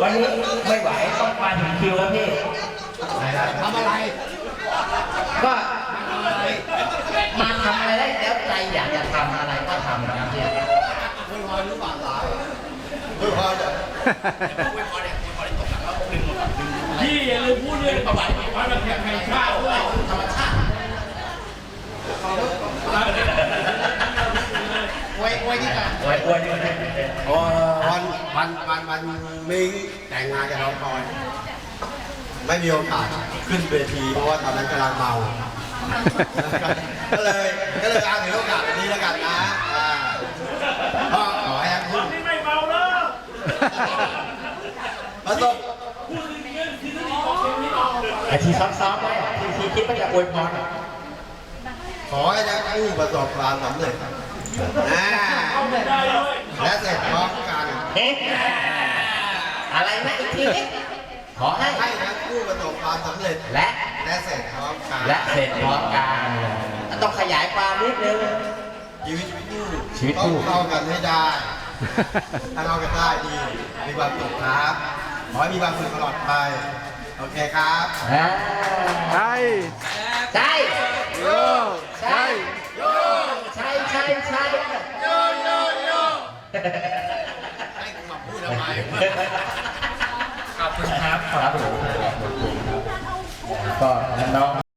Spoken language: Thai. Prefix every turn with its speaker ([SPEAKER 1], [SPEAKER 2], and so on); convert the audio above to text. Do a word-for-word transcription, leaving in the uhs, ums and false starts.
[SPEAKER 1] วันนี้ไม่ไหวต้องมาถึงคิวแล้วพี่ทำอะไรก็มาทำอะไรได้แล้วใจอยากจะทำอะไรก็ทำนะครับพี่ไม่พอหรือเปล่าไม่พอจะไม่พอเนี่ยไม่พอได้ตกหลังแล้วดึงหมดดึงพี่อย่าลืมพูดเรื่องประวัติความเป็นแห่งชาติด้วยธรรมชาติไว้ไว้ที่กันไว้ไว้ที่กันอ๋อวันวันวันวันมีแต่งงานกับน้องพลอยไม่มีโอกาสขึ้นเวทีเพราะว่าตอนนั้นกำลังเมาก็เลยก็เลยเอาถือโอกาสนี้แล้วกันนะก็ขอให้ทั้งคู่ไม่เมาแล้วประสบไอทีซ้อมๆไว้ทีทีคิดว่าจะอวยพรขอให้ทั้งคู่ประสบความสำเร็จและเสร็จพร้อมกันอะไรนะอีกทีนี้ขอให้ให้ทั้งคู่ประสบความสำเร็จและและเสร็จพร้อมกันและเสร็จพร้อมกันต้องขยายความนิดนึงชีวิตคู่ชีวิตคู่เข้ากันให้ได้ถ้าเข้ากันได้ดีมีความสุขครับขอให้มีความสุขตลอดไปโอเคครับ
[SPEAKER 2] ใช่
[SPEAKER 1] ใช่
[SPEAKER 2] โยใช่
[SPEAKER 1] โยใช่ใช่ใช่โยโยโยให้คุณมาพูดทำไมขอบคุณครับขอบคุณครับก็น้อง